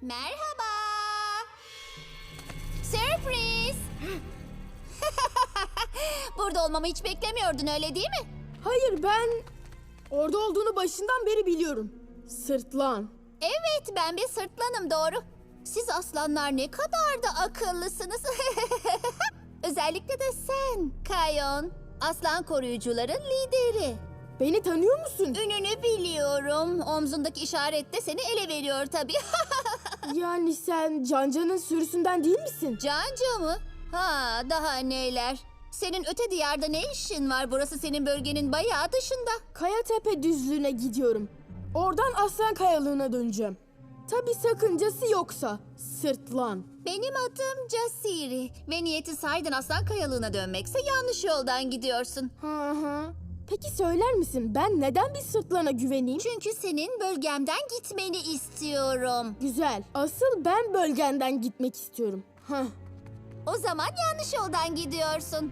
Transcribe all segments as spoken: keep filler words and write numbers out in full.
Merhaba. Sürpriz. Burada olmamı hiç beklemiyordun, öyle değil mi? Hayır, ben orada olduğunu başından beri biliyorum. Sırtlan. Evet, ben bir sırtlanım, doğru. Siz aslanlar ne kadar da akıllısınız. Özellikle de sen, Kayon. Aslan koruyucuların lideri. Beni tanıyor musun? Ününü biliyorum. Omzundaki işaret de seni ele veriyor tabii. Yani sen Canca'nın sürüsünden değil misin? Canca mı? Ha, daha neler. Senin öte diyarda ne işin var? Burası senin bölgenin bayağı dışında. Kayatepe düzlüğüne gidiyorum. Oradan Aslan Kayalığı'na döneceğim. Tabii sakıncası yoksa. Sırtlan. Benim adım Casiri ve niyeti sahiden Aslan Kayalığı'na dönmekse yanlış yoldan gidiyorsun. Hı hı. Peki söyler misin ben neden bir sırtlana güveneyim? Çünkü senin bölgemden gitmeni istiyorum. Güzel. Asıl ben bölgenden gitmek istiyorum. Hah. O zaman yanlış yoldan gidiyorsun.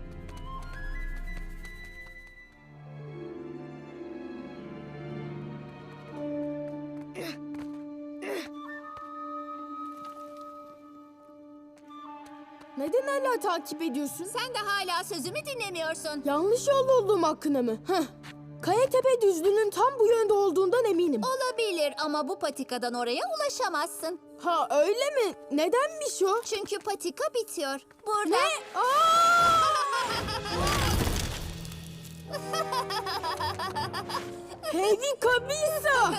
Neden hala takip ediyorsun? Sen de hala sözümü dinlemiyorsun. Yanlış yolda olduğum hakkında mı? Heh. Kayatepe düzlüğünün tam bu yönde olduğundan eminim. Olabilir ama bu patikadan oraya ulaşamazsın. Ha öyle mi? Nedenmiş o? Çünkü patika bitiyor. Burada. Ne? Aa! Heavy Kabisa!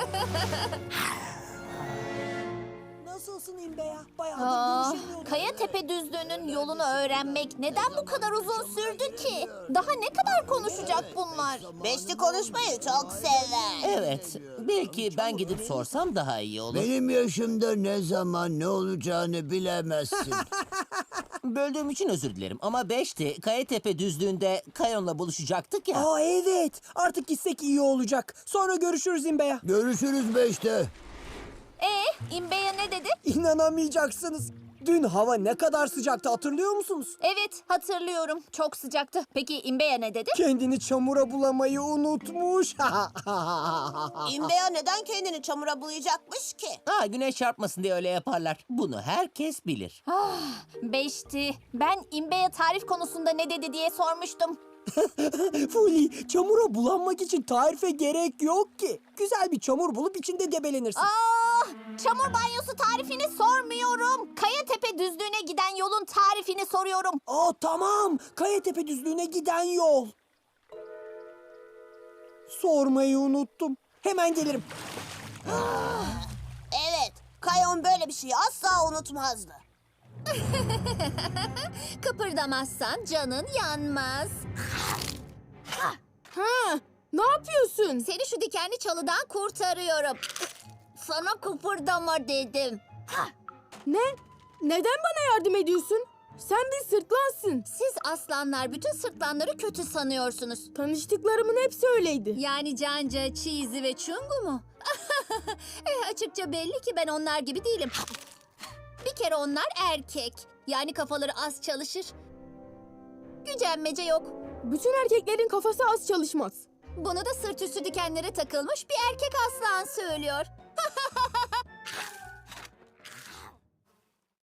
Nasılsın İmbeya? Bayağıdır Aa, görüşemiyorduk. Kayatepe düzlüğünün yolunu öğrenmek neden bu kadar uzun sürdü ki? Daha ne kadar konuşacak bunlar? Beşli konuşmayı çok sever. Evet, belki ben gidip sorsam daha iyi olur. Benim yaşımda ne zaman ne olacağını bilemezsin. Böldüğüm için özür dilerim ama beşti. Kayatepe düzlüğünde Kayon'la buluşacaktık ya. Aa evet. Artık gitsek iyi olacak. Sonra görüşürüz İmbeya. Görüşürüz beşte. Ee, İmbeya ne dedi? İnanamayacaksınız. Dün hava ne kadar sıcaktı hatırlıyor musunuz? Evet, hatırlıyorum. Çok sıcaktı. Peki İmbeya ne dedi? Kendini çamura bulamayı unutmuş. İmbeya neden kendini çamura bulayacakmış ki? Ha, güneş çarpmasın diye öyle yaparlar. Bunu herkes bilir. Beşti. Ben İmbeya tarif konusunda ne dedi diye sormuştum. Fuli, çamura bulanmak için tarife gerek yok ki. Güzel bir çamur bulup içinde debelenirsin. Aa, çamur banyosu tarifini sormuyorum. Kayatepe düzlüğüne giden yolun tarifini soruyorum. Aa tamam. Kayatepe düzlüğüne giden yol. Sormayı unuttum. Hemen gelirim. Evet, Kayon böyle bir şeyi asla unutmazdı. Kıpırdamazsan canın yanmaz. Ha, ne yapıyorsun? Seni şu dikenli çalıdan kurtarıyorum. Sana kıpırdama dedim. Ne? Neden bana yardım ediyorsun? Sen bir sırtlansın. Siz aslanlar bütün sırtlanları kötü sanıyorsunuz. Tanıştıklarımın hepsi öyleydi. Yani Canca, Cheesy ve Chungu mu? eh, açıkça belli ki ben onlar gibi değilim. Bir kere onlar erkek. Yani kafaları az çalışır. Gücenmece yok. Bütün erkeklerin kafası az çalışmaz. Bunu da sırt üstü dikenlere takılmış bir erkek aslan söylüyor.